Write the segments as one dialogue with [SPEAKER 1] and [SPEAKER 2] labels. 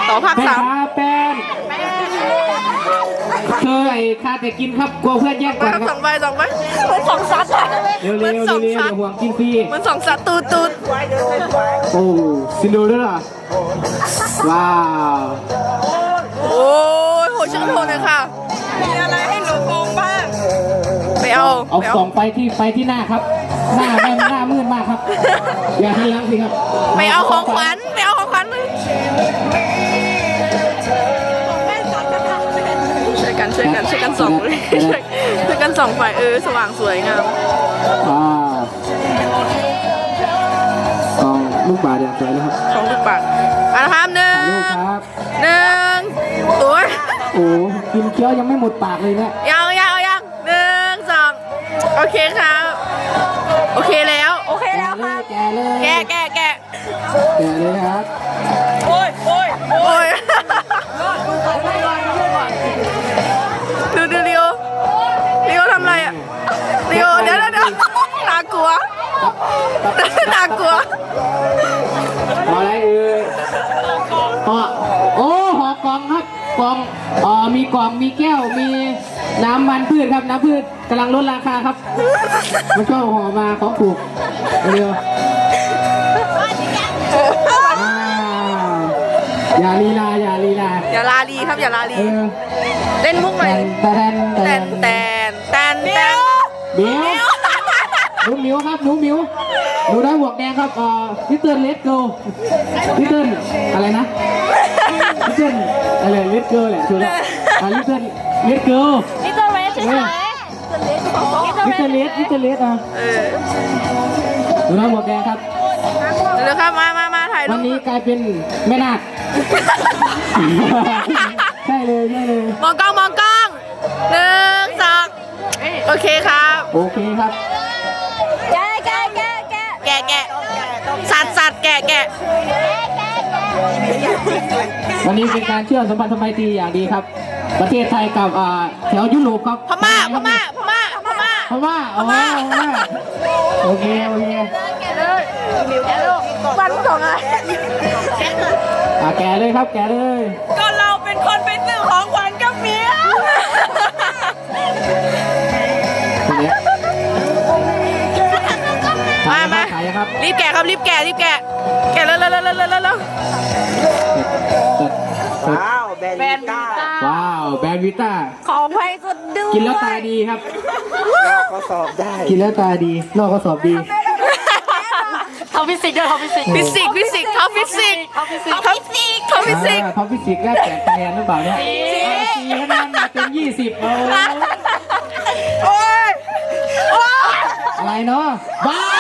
[SPEAKER 1] ต่อภาคสาม
[SPEAKER 2] เป็นเคยคาแต่กินครับกลัวเพื่อนแยกก่อนครับ
[SPEAKER 1] สองใบเหมือนสองซัดอะ
[SPEAKER 2] เร็วๆเร็วๆอย่าห่วงกินฟรี
[SPEAKER 1] เหมือนสองซัดตูด
[SPEAKER 2] โอ้ซินโดเรลล่าว้าว
[SPEAKER 1] โอ้ยโหชื่นชมเลยค่ะมีอะไรให้หนูโกงบ้างไปเอา
[SPEAKER 2] ส่องไปที่หน้าครับ หน้าแม่หน้ามืดมากครับ อย่าให้ล้างสิครับ
[SPEAKER 1] ไปเอาของขวัญช่วยกันส่องช่วยกันส่องไฟสว่างสวยงาม
[SPEAKER 2] กองลูกบาศก์อย่างสวยนะครับ
[SPEAKER 1] ของลูกปัดนะครับหนึ่
[SPEAKER 2] ถ่ายรูปครับ
[SPEAKER 1] งตัว
[SPEAKER 2] โอ้กินเคี้ยวยังไม่หมดปากเลยเนี่ย
[SPEAKER 1] ยังหนึ่งสองโอเคครับโอเคแล้วครับ
[SPEAKER 2] แกเลย
[SPEAKER 1] แกะ
[SPEAKER 2] แกเลยครับ
[SPEAKER 1] โอ้ยดูริโอทำอะไรอ่ะริโอเดี๋ยวน่ากลัว
[SPEAKER 2] พออะไรโอ้ห่อกล่องครับกล่องมีกล่องมีแก้วมีน้ำมันพืชครับน้ำพืชกำลังลดราคาครับมันก็ห่อมาของถูกเร็วอย่าลีลา
[SPEAKER 1] อย่าลาลีครับอย่าลาลีเล่นมุกหน่อยแตน
[SPEAKER 2] มิวหนูมิวครับหนูมิวหนูได้หมวกแดงครับลิตเติ้ลเลสโกลิตเติ้ลอะไรนะลิตเติ้ลอะไรเลสโกแหละถูกแล้วลิตเติ้ลเลสโก
[SPEAKER 1] นี่ตัวเรสใช่ไหม
[SPEAKER 2] ลิตเติ้ลเลสหนูได้หมวกแดงครับ
[SPEAKER 1] เดี๋ยวครับมาถ่ายรูป
[SPEAKER 2] วันนี้กลายเป็นแม่นาคใช่เลย
[SPEAKER 1] มองกล้องหนึ่งสองโอเคครับ
[SPEAKER 2] โอเคครับ
[SPEAKER 1] แกะสัตว์แกะ
[SPEAKER 2] วันนี้เป็นการเชื่อมสัมพันธไมตรีอย่างดีครับ ประเทศไทยกับแถวยุโรปครับ
[SPEAKER 1] พม่า
[SPEAKER 2] โอเค
[SPEAKER 1] แกะเลยวันสองอะไร
[SPEAKER 2] แกะเลยครับแกะเลย
[SPEAKER 1] ก็เราเป็นคนไปซื้อของขวัญกับเมียมารีบแกะครับรีบแกะแล้ว
[SPEAKER 3] ว้าวแบรนด์วิต้า
[SPEAKER 2] ว้าวแบรนด์วิต้า
[SPEAKER 1] ของแพงสุดดู
[SPEAKER 2] กินแล้วตาดีครับ
[SPEAKER 3] เราก็สอบได้
[SPEAKER 2] กินแล้วตาดีนอกก็สอบดี
[SPEAKER 1] ทำฟิสิกส์ด้วยทำฟิสิกส์ท็อปฟิสิกส์
[SPEAKER 2] ท็อปฟิสิกส์ได้แจกคะแนนหรือเปล่าเนี่ย4คะแนนมาเป็น20
[SPEAKER 1] โอ้ย
[SPEAKER 2] อะไรเนาะว้าว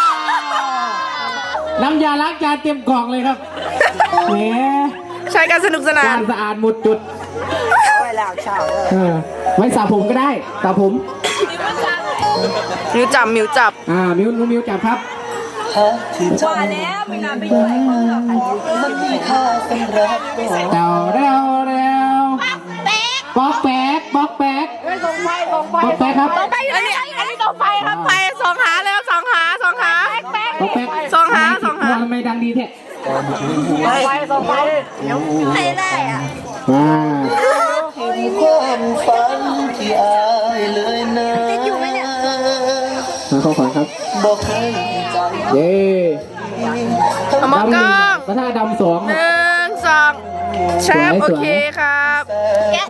[SPEAKER 2] น้ำยาล้างจานเต็มกล่องเลยครับแหม
[SPEAKER 1] ใช้กันสนุกสนาน
[SPEAKER 2] สะอาดหมดจุด
[SPEAKER 3] ไว้ล้างเช้าเลย
[SPEAKER 2] ไว้สระผมก็ได้สระผม
[SPEAKER 1] มิวจับ
[SPEAKER 2] มิวจับครับ
[SPEAKER 1] ว่าแล้วไม่น่าไปด้วยมันมีค่าสำหรับ
[SPEAKER 2] เร็วป๊อกแป๊ก
[SPEAKER 1] ส่งไฟ
[SPEAKER 2] ครับ
[SPEAKER 1] อันนี้ส่งไฟครับไฟส่องหาแล้วส่องหา
[SPEAKER 2] ป๊อกแป๊ก
[SPEAKER 1] ส่องหา
[SPEAKER 2] ทำไมดังดีแท้
[SPEAKER 1] ส่องไฟใครได้อ่ะ
[SPEAKER 3] ความฝันที่อายเลยนะติดอยู่ไหมเนี่ย
[SPEAKER 2] มาเข้าฝันครับ
[SPEAKER 3] บอกให้ใจ
[SPEAKER 2] เย้
[SPEAKER 1] มองกล้อง
[SPEAKER 2] กระทะดำ2
[SPEAKER 1] 1 2แชปโอเคครับ